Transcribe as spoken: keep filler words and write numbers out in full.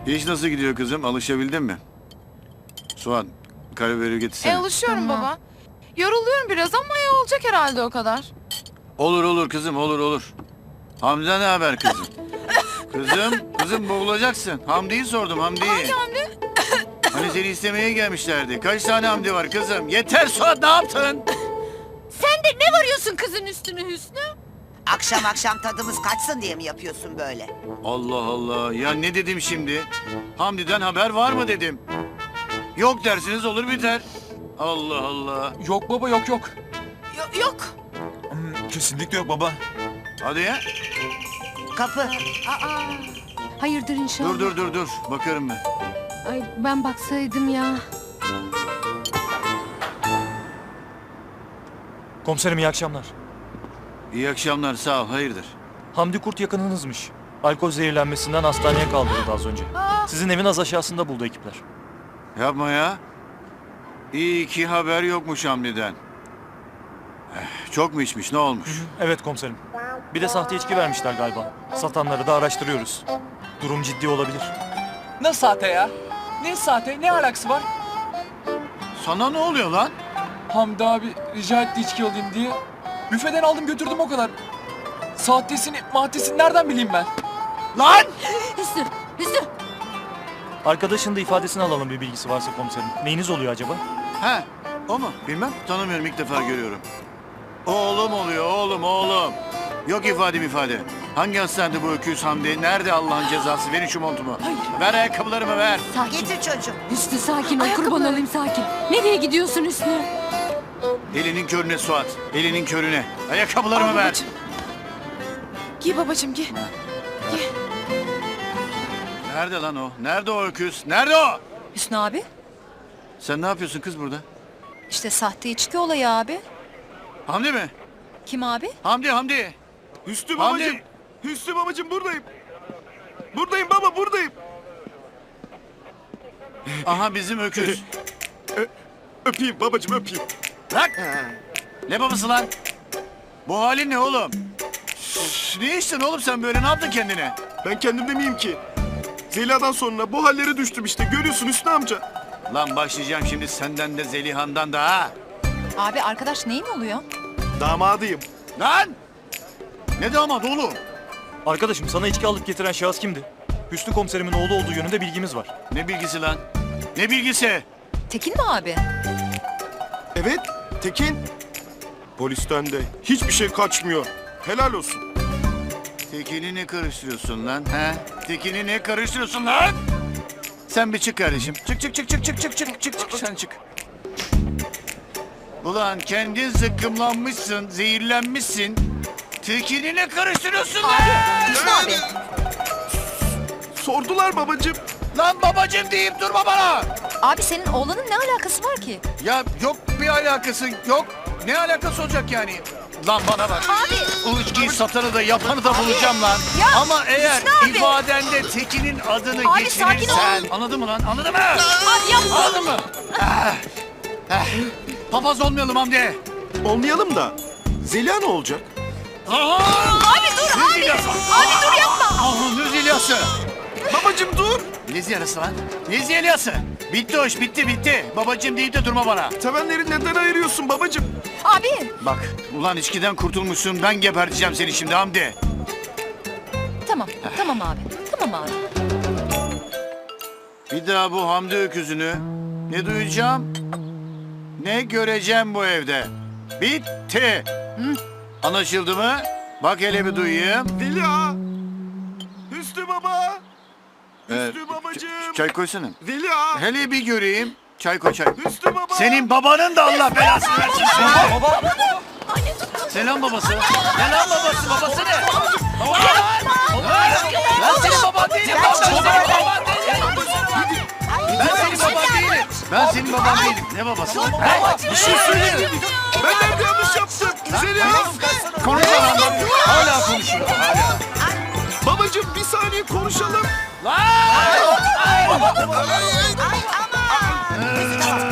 İş nasıl gidiyor kızım? Alışabildin mi? Suat, karabiberi getirsene. E alışıyorum Tamam. baba. Yoruluyorum biraz ama ya olacak herhalde o kadar. Olur olur kızım, olur olur. Hamza ne haber kızım? Kızım, kızım boğulacaksın. Hamdi'yi sordum, Hamdi'yi. Hangi Hamdi? Hani seni istemeye gelmişlerdi. Kaç tane Hamdi var kızım? Yeter Suat, ne yaptın? Sen de ne varıyorsun kızın üstüne Hüsnü? Akşam akşam tadımız kaçsın diye mi yapıyorsun böyle? Allah Allah, ya ne dedim şimdi? Hamdi'den haber var mı dedim. Yok dersiniz olur biter. Allah Allah. Yok baba yok yok. Yo- yok. Hmm, kesinlikle yok baba. Hadi ya. Kapı. Aa, hayırdır inşallah. Dur dur dur dur. Bakarım ben. Ay ben baksaydım ya. Komiserim iyi akşamlar. İyi akşamlar, sağ ol. Hayırdır? Hamdi Kurt yakınınızmış. Alkol zehirlenmesinden hastaneye kaldırıldı az önce. Aa, Sizin evin az aşağısında buldu ekipler. Yapma ya. İyi ki haber yokmuş Hamdi'den. Eh, Çok mu içmiş, ne olmuş? Evet komiserim. Bir de sahte içki vermişler galiba. Satanları da araştırıyoruz. Durum ciddi olabilir. Ne sahte ya? Ne sahte? Ne alakası var? Sana ne oluyor lan? Hamdi abi rica etti içki alayım diye. Büfeden aldım götürdüm o kadar. Sahtesini, maddesini nereden bileyim ben? Lan! Hüsnü, Hüsnü. Arkadaşın da ifadesini alalım bir bilgisi varsa komiserim. Neyiniz oluyor acaba? He, o mu? Bilmem, tanımıyorum, ilk defa görüyorum. Oğlum oluyor, oğlum, oğlum. Yok ifade ifade. Hangi hastanede bu öküz Hamdi? Nerede Allah'ın cezası? Verin şu montumu. Ver ayakkabılarımı, ver. Sakin. Getir çocuğum. Hüsnü sakin ol kurban olayım sakin. Nereye gidiyorsun Hüsnü? Elinin körüne Suat, elinin körüne. Ayakkabılarımı Al ver. babacığım. Giy babacığım giy. Nerede lan o? Nerede o öküz? Nerede o? Hüsnü abi, Sen ne yapıyorsun kız burada? işte sahte içki olayı abi. Hamdi mi? Kim abi? Hamdi, Hamdi. Hüsnü Hamdi. babacım. Hüsnü babacım buradayım. Buradayım baba buradayım. Aha bizim öküz. Öpeyim babacım öpeyim. Bırak. Ne babası lan? Bu halin ne oğlum? Şşş, ne içtin oğlum sen böyle? Ne yaptın kendine? Ben kendimde miyim ki? Zeliha'dan sonra bu hallere düştüm işte. Görüyorsun Hüsnü amca. Lan başlayacağım şimdi senden de Zeliha'ndan da ha. Abi arkadaş neyin oluyor? Damadıyım. Lan! Ne damat oğlum? Arkadaşım sana içki alıp getiren şahıs kimdi? Hüsnü komiserimin oğlu olduğu yönünde bilgimiz var. Ne bilgisi lan? Ne bilgisi? Tekin mi abi? Evet Tekin. Polisten de hiçbir şey kaçmıyor. Helal olsun. Tekin'i ne karıştırıyorsun lan? He? Tekin'i ne karıştırıyorsun lan? Sen bir çık kardeşim. Çık çık çık çık çık çık çık çık çık sen çık. Ulan kendin zıkkımlanmışsın, zehirlenmişsin. Tekin'i ne karıştırıyorsun lan? Hüsnü abi. Sordular babacım. Lan babacım deyip durma bana. Abi senin oğlanın ne alakası var ki? Ya yok bir alakası yok. Ne alakası olacak yani? Lan bana bak. Abi. O içkiyi satanı da yapanı da bulacağım lan. Ya, Ama eğer Hüsnü abi. ifadende Tekin'in adını Abi, sakin geçirirsen... ol. Anladın mı lan? Anladın mı? Abi yapma. Anladın mı? Ah, ah. Papaz olmayalım Hamdi. Olmayalım da. Zeliha ne olacak? Abi dur abi. Abi dur yapma. Ah, ne Zeliha'sı? Babacım dur. Ne Zeliha'sı lan? Ne Zeliha'sı? Bitti o iş bitti bitti. Babacım deyip de durma bana. Sevenleri neden ayırıyorsun babacım? Abi. Bak ulan içkiden kurtulmuşsun, ben geberteceğim seni şimdi Hamdi. Tamam, tamam abi. Tamam abi. Bir daha bu Hamdi öküzünü ne duyacağım ne göreceğim bu evde. Bitti. Anlaşıldı mı? Bak hele bir duyayım. Zeliha. Hüsnü baba. Ee, Hüsnü babacım. ç- çay koysana. Zeliha. Hele bir göreyim. Çay koy çay. Hüsnü baba. Senin babanın da Allah belasını versin. Senin. Baba. Selam babası. Selam babası. Babası ne? Baba lan. Ben senin baban değilim. Ben senin baban değilim. Ben senin baban değilim. Ben senin baban değilim. Ne babası? He? Bir şey söyle. Ben nerede yanlış yaptım? Zeliha. Konuşma lan. Hala konuşuyor. Hala. Babacım bir saniye konuşalım. Lan! Ay aman.